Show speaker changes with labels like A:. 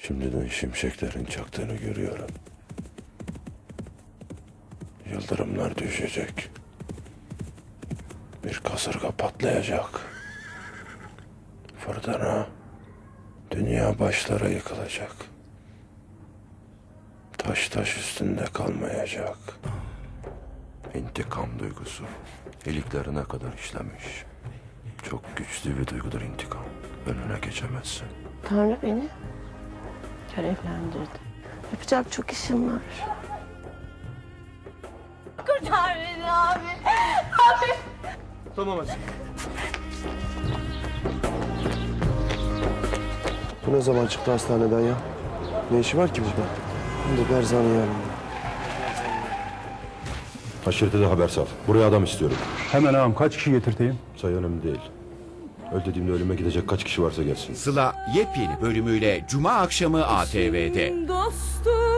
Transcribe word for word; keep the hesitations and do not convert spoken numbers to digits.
A: Şimdiden şimşeklerin çaktığını görüyorum. Yıldırımlar düşecek. Bir kasırga patlayacak. Fırtına, dünya başlara yıkılacak. Taş taş üstünde kalmayacak. İntikam duygusu iliklerine kadar işlemiş. Çok güçlü bir duygudur intikam. Önüne geçemezsin.
B: Tanrı beni görevlendirdi. Yapacak çok işim var.
C: Kurtar beni abi. Abi.
D: Tamam hadi.
E: Bu ne zaman çıktı hastaneden ya? Ne işi var ki burada? Hem de Berzan'ın yanında.
A: Haşirete de haber sal. Buraya adam istiyorum.
F: Hemen ağam, kaç kişi getirteyim?
A: Sayı önemli değil. Öl dediğimde ölüme gidecek kaç kişi varsa gelsin.
G: Sıla yepyeni bölümüyle Cuma akşamı A T V'de.
C: Dostum.